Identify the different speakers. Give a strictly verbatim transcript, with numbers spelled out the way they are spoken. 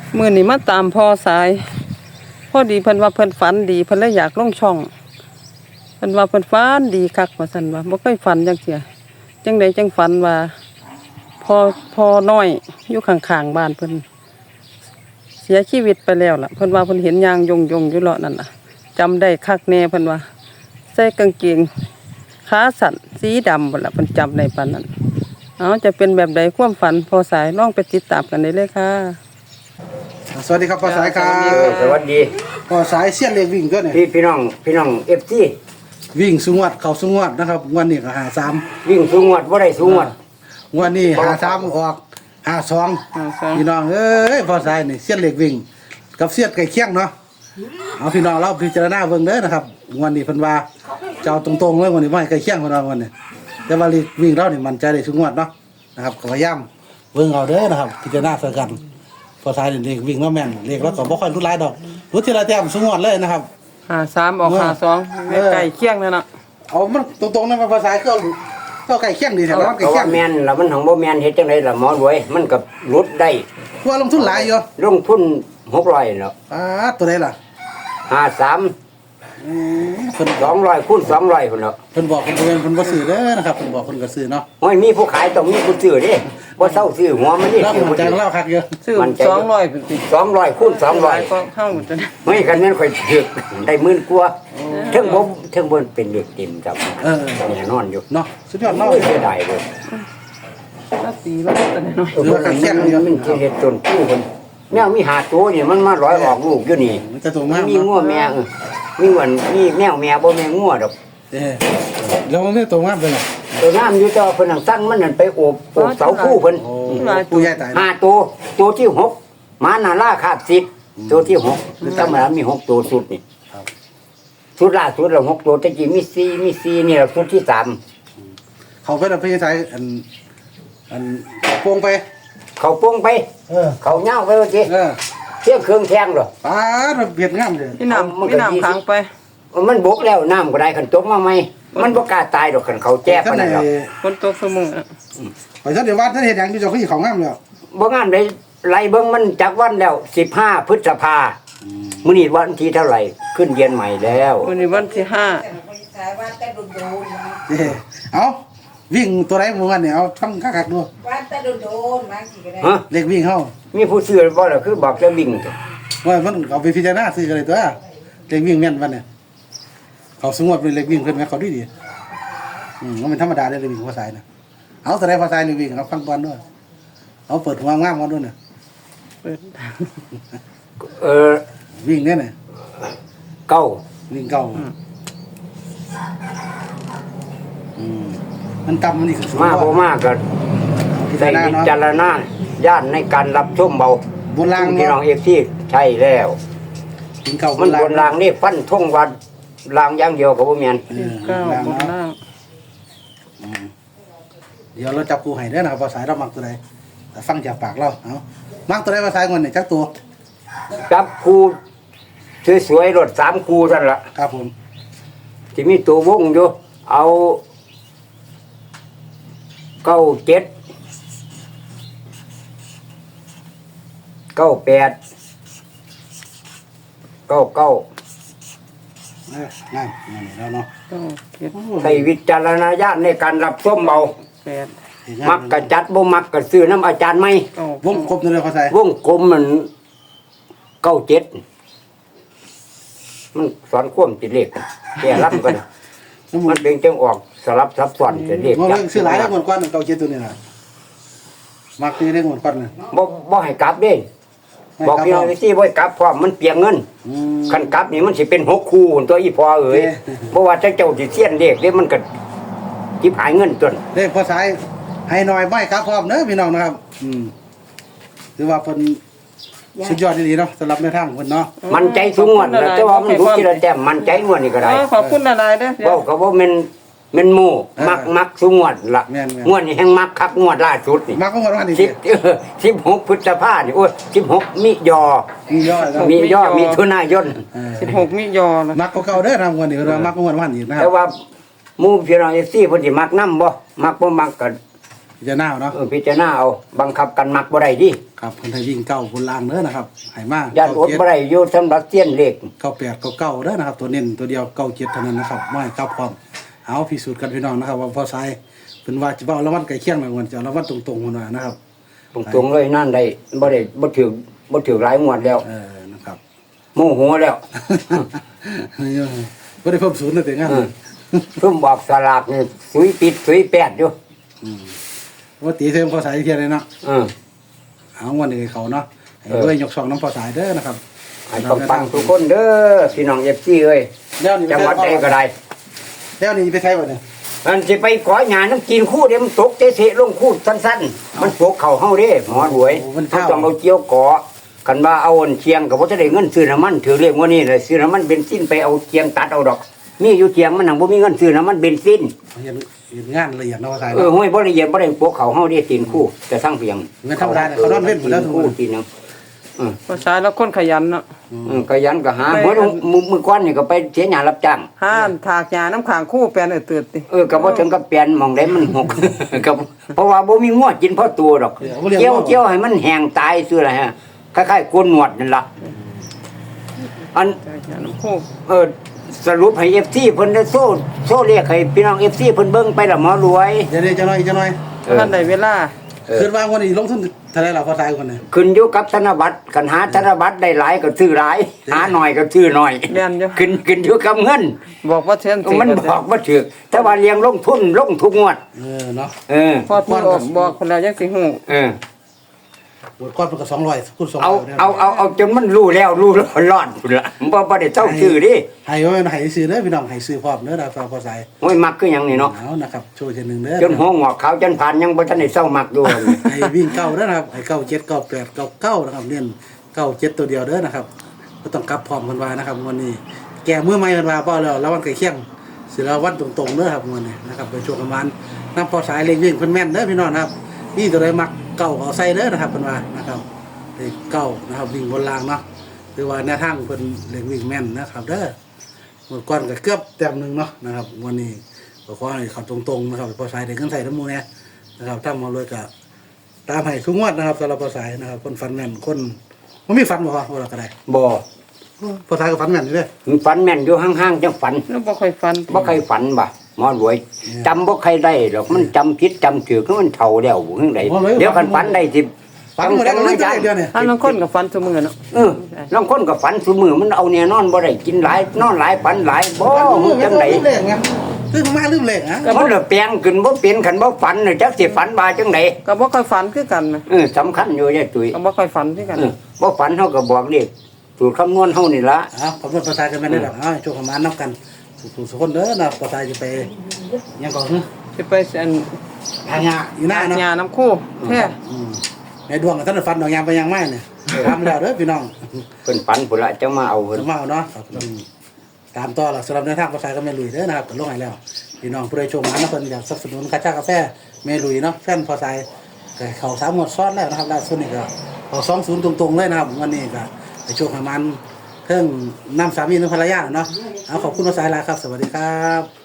Speaker 1: มื้อนี้มาตามพ่อสายพอดีเพิ่นว่าเพิ่นฝันดีเพิ่นเลยอยากลงช่องเพิ่นว่าเพิ่นฝันดีคักว่าซั่นว่าบ่เคยฝันจังเที่ยจังได๋จังฝันว่าพ่อพ่อน้อยอยู่ข้างๆบ้านเพิ่นเสียชีวิตไปแล้วล่ะเพิ่นว่าเพิ่นเห็นยางยงๆอยู่เลาะนั่นน่ะจำได้คักแน่เพิ่นว่าใส่กางเกงขาสั้นสีดำพุ่นล่ะเพิ่นจำได้ปานนั้นเอาจะเป็นแบบใดความฝันพอสายลองไปติดตามกันได้เลยค่ะ
Speaker 2: สวัสดีครับพ่อสายครับ
Speaker 3: สวัสดี
Speaker 2: พ่อสายเสี้ยนเล็กวิ่งตัวเนี่ย
Speaker 3: พี่พี่น้องพี่น้องเอฟซี
Speaker 2: วิ่งสูงวัดเข่าสูงวัดนะครับวันนี้ก็หาสาม
Speaker 3: วิ่งสูงวัดว่าได้สูงวัด
Speaker 2: วันนี้หาสามออกหาสองพี่น้องเอ้ยพ่อสายนี่เสี้ยนเล็กวิ่งกับเสี้ยนไก่เคียงเนาะเอาพี่น้องเราพิจารณาเบิ่งเด้อนะครับวันนี้เพิ่นว่าเจ้าตรงๆเลยวันนี้ไม่ไก่เคียงเพิ่นว่าวันนี้แต่ว่าวิ่งเรานี่มันใจได้สูงวัดเนาะนะครับก็พยายามเบิ่งเอาเด้อนะครับพิจารณาใส่กันพอสายเด็กวิ่งแล้วแม่นเด็กแล้วก็บ่ค่อยรู้หลายดอกรู้ทีละแต้มสูงวัดเลยนะครับ
Speaker 1: หาสามออกหาสองไก่เคียงนั่นน่ะ
Speaker 2: เอามันตรงๆนั่นภาษาก็ก็ไก่เคียงดีแถวนั้นไก่
Speaker 3: เพราะ
Speaker 2: เคีย
Speaker 3: ว่าง แมนแล้วมันของบ่แมนเฮ็ดจังไดล่ะหมอรวยมันกับลดได้
Speaker 2: ว่าลงทุนหลายอยู่
Speaker 3: ลงทุนหกร้อยแล้ว
Speaker 2: อ่าตัวใดล่ะ
Speaker 3: ห้าสาม
Speaker 2: อืมเพิ่น
Speaker 3: สองร้อยคูณสองร้อยพุ่นแล้ว
Speaker 2: เพิ่นบอกเพิ่นบ่แม่นเพิ่นบ่ซื้อเด้อนะครับเพิ่นบอกเพิ่นก็ซื้อเนาะ
Speaker 3: โอ้ยมีผู้ขายต้องมีผู้ซื้อเด้บ่เซาซื้อหัวมันนี่
Speaker 2: แล้วมันใจของเราคักเยอะ
Speaker 1: ซื้อสองร้อยเป็นสิ
Speaker 3: สองร้อยคูณสองร้อย
Speaker 1: ก็เข้าจน
Speaker 3: ไม่คันนั้นค่อยถึกได้หมื่นกว่าถึงบ่ถึงบ่เป็นเด็กเต็มจับ
Speaker 2: เออ
Speaker 3: แน่นอนอยู่
Speaker 2: เนาะสุดยอดเนาะ
Speaker 3: เสียดายเลย
Speaker 1: ละตีละแต่น้อย
Speaker 3: เออมันมันสิเฮ็ดจนผู้เพิ่นแนวมีหาตัวนี่มันมาร้อยออกลูกอยู่นี่
Speaker 2: มันจะตัวมาก
Speaker 3: มีงัวแม่เออมีเหมือนมีแมวแม่บ่แม่งัวดอก
Speaker 2: เด้แล้วมันไม่ตัวมากเป็นหรอ
Speaker 3: ตัวน้ำอยู่แต่ว่าเพิ่นสั่งมันนั่นไปโอบโอบเสาคู่เพิ่น
Speaker 2: โอ้ผู้ใหญ่ตาย
Speaker 3: ห้าตัวตัวที่หกมานาราคาบสิบตัวที่หกธรรมดามีหกตัวสุดนี่สุดล่าสุดแล้วหกตัวแต่กี้มีสี่มีสี่นี่ล่ะสุดที่สาม
Speaker 2: เขาเป็นพี่ชายอันอันโป่งไป
Speaker 3: เขาโป่งไป
Speaker 2: เออ
Speaker 3: เขาเหย้าไปว่าสิ
Speaker 2: เออ
Speaker 3: เที่ยงเครื่องแทงเหรอ
Speaker 2: ป้าดเบียดงามเลย
Speaker 1: พี่น้ำพี่น้ำขังไป
Speaker 3: มันบกแล้วน้ำก็ได้ขันตกมาไหมมันบ่กล้าตายดอกขันเขาแจ้ปานนั้นหรอก
Speaker 1: คนตกสมุง
Speaker 2: ไปซะเดี๋ยวว่าท่านเห็นอย่างที่เจ้าขี้ของงามแล้ว
Speaker 3: บ่งามได้ไล่เบิ่งมันจากวันแล้วสิบห้าพฤษภามื้อนี้วันที่เท่าไหร่ขึ้นเย็นใหม่แล้ว
Speaker 1: มื้อนี้วันที่ห้า
Speaker 2: เอาวิ่งตัวไหนมื้อวันเนี่ยเอาทั้งคักๆดู
Speaker 4: วันตะโดนๆมาสิก็ได้
Speaker 3: ฮะ
Speaker 2: เล็กวิ่งเฮา
Speaker 3: มีผู้ซื้อบ่ล่ะคือบอกจะวิ่ง
Speaker 2: ว่ามันเอาไปพิจารณาซื้อกันเลยตัวเล็กวิ่งแม่นวันเนี่ยเขาสงบเลยเล็กวิ่งเพิ่นแม่เขาดีดีอืมมันเป็นธรรมดาได้เล็กวิ่งภาษาเนี่ยเอาแต่ได้ภาษาเล็กวิ่งเอาฟังก่อนด้วยเอาเปิดหัวงามก่อนด้วยเนี่ย
Speaker 1: เปิด
Speaker 3: เออ
Speaker 2: วิ่งเนี่ยเนี่ย
Speaker 3: เก้า
Speaker 2: วิ่งเก้าอืมมันต่ำมันนี่คือ
Speaker 3: มาบ่มากก็ได้วิจารณญาณในการรับชมเบา
Speaker 2: บนล่าง
Speaker 3: พี่น้องเอฟซีใช่แล้ว
Speaker 2: วิ่งเก้า
Speaker 3: มันบนล่างนี่ฟันทงวัดล่างอย่างเดียวก็บ่แม่น
Speaker 1: เก้าบนล่าง
Speaker 2: เดี๋ยวเราจับกูให้ได้นะครับภาษาเรามักตัวใดแต่ฟังจากปากเราเอามักตัวใดภาษาเงินเนี่ยจักตัว
Speaker 3: จับคูสวยๆรถสามคูนั่นล่ะ
Speaker 2: ครับผม
Speaker 3: ที่มีตัววงอยู่เอาเก้าเจ็ดเก้าแปดเก้าเก้า
Speaker 2: นั่นนั่นแล้วเนาะ
Speaker 3: ใช้วิจารณญาณในการรับชมเบา
Speaker 1: แปด
Speaker 3: มักกะจัดบ่มักกะซื้อน้ำอาจารย์ไหม
Speaker 2: วงกลมตัวเลยภาษาว
Speaker 3: งกลมมันเก้าเจ็ดมันสอนควมจิตเลขแก่รับกันมันเป็นจังออกสลับซับซ้อนจิตเลข
Speaker 2: มันซื้อหลายแล้วหมดก้อนเก้าเจ็ดตัวนี้นะมักซื้อได้หมดก้อนเลย
Speaker 3: บ่บ่ให้กลับเด้บอกพี่น้องที่บ่ให้กลับพร้อมมันเปลียงเงินคันกลับนี่มันสิเป็นหกคู่ตัวอีพอเอ๋ยเพราะว่าเจ้าสิเสี้ยนเลขเด้มันก็จิบหายเงินจน
Speaker 2: เลขภาษาให้หน่อยไม่ครับพร้อมเด้อพี่น้องนะครับอืมถือว่าเพิ่นสุดยอดดีเนาะสำหรับแนวทางเพิ่นเนาะ
Speaker 3: มันใจสูงงวดแต่ว่ามันรู้ทีละแต้มมันใจงวดนี่ก็ได้
Speaker 1: ขอบคุณหลายๆเด้อ
Speaker 3: เว้าก็บ่แม่นแม่นหมู่มักมักสูงงวดล่ะงวดนี่แฮงมักคักงวดล่าสุดนี่
Speaker 2: มักงวดว่านี่
Speaker 3: สิบสิบหกพฤษภาคมนี่โอ้ยสิบหกมิยอ
Speaker 2: มียอ
Speaker 3: มียอมีถุนายน
Speaker 1: สิบหกมิยอ
Speaker 2: มักเก่าๆเด้อทำงวดนี่ว่ามักงวดว่านี่นะ
Speaker 3: แต่ว่าหมู่พี่น้อง เอฟ ซี เพิ่นสิมักนำบ่มักบ่มักก็
Speaker 2: พิจารณาเนาะ
Speaker 3: เออพิจารณาเอาบังคับกันมักบ่ได้ดิ
Speaker 2: ครับเพิ่นให้วิ่งเก้าบนล่างเด้อนะครับให้มาก
Speaker 3: ย่านอดบ่ได้อยู่สำหรับเสี้ยนเลข
Speaker 2: เก้าแปดเก้าเก้าเด้อนะครับ ตัวเน้นตัวเดียวเก้าเจ็ดเท่านั้นนะครับไม่ให้กลับพร้อมเอาพิสูจน์กันพี่น้องนะครับ ว่าพอสายเป็นว่าจะเอาละวันไก่เคียงหน่อยวันจะเอาละวันตรงๆมันว่านะครับ
Speaker 3: ตรงๆเลยนั่นได้บ่ได้บ่ถือบ่ถือหลายงวดแล้ว
Speaker 2: เออนะครับ
Speaker 3: โมโหแล้ว
Speaker 2: ไม่ได้เพิ่มศูนย์เลยแต่งั้น
Speaker 3: เออเพิ่มบอกสลากนี่สุยปิดสุยแปดอยู่
Speaker 2: ว่าตีเทิมพอสายเทียนเลยเนาะ
Speaker 3: เออ
Speaker 2: เอาวันนี้เขาเนาะให้
Speaker 3: เออ
Speaker 2: ด้วยยกสองน้ำพอสายเด้อนะครับ
Speaker 3: ให้ปังๆทุกคนเด้อพี่น้อง เอฟ ซี เอ้ย
Speaker 2: เดี๋ยวนี้
Speaker 3: จังหวัดใดก็ได้
Speaker 2: เดี๋ยวนี้ไปใช้บ่เนี่ย
Speaker 3: มันสิไปขอหยาน้ำกินคู่เดี๋ยวมันตกเตะๆลงคู่สั้นๆ มันตกเข่าเฮาเด้หมอรวยเขาต้องเอาเจียวเกาะกันว่าเอาอันเชียงก็บ่จะได้เงินซื้อน้ำมันถือเรียกว่านี่เลยซื้อน้ำมันเบนซินไปเอาเชียงตัดเอาดอกมีอยู่เชียงมันหังบ่มีเงินซื้อน้ำมันเบนซิน
Speaker 2: เห็นเห็นงานละเอียดเนาะพอสาย
Speaker 3: เออห้วยบ่ละเอียดบ่ได้ปกเขาเฮาได้ตีนคู่แต่สร้างเพียง
Speaker 2: เงินธรรมดาเนี่ยเขานอนเว้นหมดแล้วทุกค
Speaker 3: คู่
Speaker 2: น
Speaker 3: ตีนนึง
Speaker 1: พอสายแล้วคนขยันเนาะ
Speaker 3: อืมก็ยันก็หาเมื่อมือมือก้อนนี่ก็ไปเสียหยารับจ้าง
Speaker 1: ห้านถากหญ้าน้ำขางคู่แปลนเออเตือดติ
Speaker 3: เออก็บ่ถึงกับเปลี่ยนหมองได้มันหก ก็เพราะว่าบ่มีงวดกินพอตัวดอกเจียวเจียวให้มันแห้งตายซื่ออะไรฮะคล้ายๆโกนหนวดนั่นล่ะอัน
Speaker 1: ถากหญ้าน้ำคู่
Speaker 3: เออสรุปให้ เอฟ ซี เพิ่นได้โซ่โซ่เรียกให้พี่น้อง เอฟ ซี เพิ่นเบิ่งไปละหมอรวย
Speaker 2: เดี๋ยวนี้จะน้อยจะน้อย
Speaker 3: เออ
Speaker 1: ท่านใดเวลา
Speaker 2: คืนวางวันนี้ลงทุนเท่าไรเราพอสายคนเนี่ย
Speaker 3: ขึ้นอยู่กับธนบัตรกันหาธนบัตรได้หลายก็ซื้อหลาย หาหน่อยก็ซื้อหน่อย
Speaker 1: แม่นอยู่
Speaker 3: ขึ้นขึ้นอยู่กับเงิน
Speaker 1: บอกว่าเช่นสิ
Speaker 3: มันบอกว่าถือแต่ว่าเลี้ยงลงทุนลงทุกงวด
Speaker 2: เออเนาะ
Speaker 3: เออ
Speaker 1: พอพูดออกบอกคนแล้วยังสิฮู้
Speaker 3: เออ
Speaker 2: บทก้อนเป็นกับสองร้อยคูณสอง
Speaker 3: เอา
Speaker 2: ร้อย
Speaker 3: เอาเอาเอาจนมันรู้แล้วรู้รอดรอดพุ่นละบ่บ่ได้เจ้าชื่อดิ
Speaker 2: ให้ไว้ให้ซื้อเด้อพี่น้องให้ซื้อพร้อมเด้อนะครับพอสาย
Speaker 3: โอ้ยมักคือหยังนี่เนาะ
Speaker 2: เอานะครับโชว์เช่นหนึ่งเด้อ
Speaker 3: จนหัวงอกขาวจนผ่านยังบ่ทันได้เศร้ามักอยู่
Speaker 2: ให้วิ่งเก้าเด้อนะครับให้เก้าเจ็ดเก้าแปดเก้าเก้านะครับเน้นเก้าเจ็ดตัวเดียวเด้อนะครับก็ต้องกลับพร้อมกันว่านะครับวันนี้ แก่เมื่อไม่กันว่าป้อแล้วแล้ววันไก่เคียงสิแล้ววันตรงๆเด้อครับวันนี้นะครับไปช่วงประมาณน้ำพอสายเล็กวิ่งเพิ่นแม่นเด้อพี่น้องนะครับนี่ตัวใดมักเก้าเอาใส่เด้อนะครับเพิ่นว่านะครับเลขเก้านะครับวิ่งบนรางเนาะหรือว่าแนวทางเพิ่นเล็กวิ่งแม่นนะครับเด้อเมื่อก่อนก็เกือบแต้มหนึงเนาะนะครับวันนี้ก็ขอให้เขาตรงๆนะครับพอสายได้เงินใส่น้ำมูเนี่ยนะครับทำมาเลยก็ตามให้ทุกงวดนะครับสำหรับพอสายนะครับคนฟันแม่นคนมันมีฟันบ่ครับว่าก็ได้
Speaker 3: บ่
Speaker 2: พอสายก็ฟันแม่นอยู่เด้อ
Speaker 3: มันฝันแม่นอยู่ห่างๆจังฝัน
Speaker 1: แล้วบ่ค่อยฟัน
Speaker 3: บ่ใครฝันบ่หมอรวยจำบ่ใครได้หรอกมันจำผิดจำถือคือมันเฒ่าแล้วบ่จังไดเดี๋ยวคันฝันได้สิ
Speaker 2: ฟันหมดแล้วก็เลยเดือนเนี่ย
Speaker 1: อันบางคนก็ฟันซุมื้อเนาะ
Speaker 3: เออลางคนก็ฝันซุมื้อมันเอาแน่นอนบ่ได้กินหลายนอนหลายฝันหลายบ่มึงจังได
Speaker 2: ลืมเลขไงลืมมาลืมเลขฮะ
Speaker 3: มันละแปลงขึ้นบ่เป็นคันบ่ฝันน่ะจักสิฝันว่าจังได
Speaker 1: ก็บ่ค่อยฝันคือกันนะ
Speaker 3: เออสำคัญอยู่ยายตุ้ย
Speaker 1: ก็บ่ค่อยฝันคือกัน
Speaker 3: เออบ่ฝันเฮาก็บอกเลขสูตรคำนวณเฮานี่ล่ะ
Speaker 2: อ้าวขอบคุณภาษากันแม่ได้หรอกอ้าวโชคประมาณนับกันสุขสุขคนเด้อนะภาษาจะไปยังก่อนเนาะ
Speaker 1: สิไปอัน
Speaker 2: ทางยาอยู่หน้าเนาะ
Speaker 1: หญ้าน้ำคู่แท้
Speaker 2: อืมในดวงกับท่านฟันดอกยางไปยังไม่เนี่ยทำแล้วเด้อพี่น้อง
Speaker 3: เพิ่นฝันพุ่นละจังมาเอาเพิ่น
Speaker 2: สมาเอาเนาะครับอืมตามต่อหลักสำหรับในทางภาษาก็แม่ลุยเด้อนะครับก็ลงให้แล้วพี่น้องผู้ใดโชคมานะเพิ่นอยากสนับสนุนกาชากาแฟแม่ลุยเนาะแฟนภาษาก็เข้าสามหมวดซ้อนแล้วนะครับล่าสุดนี่ก็เข้าสองศูนย์ตรงๆเลยนะครับวันนี้ก็ไปโชคประมาณเครื่องน้ำสามีน้ำภรรยาเนาะเอาขอบคุณภาษาลาครับสวัสดีครับ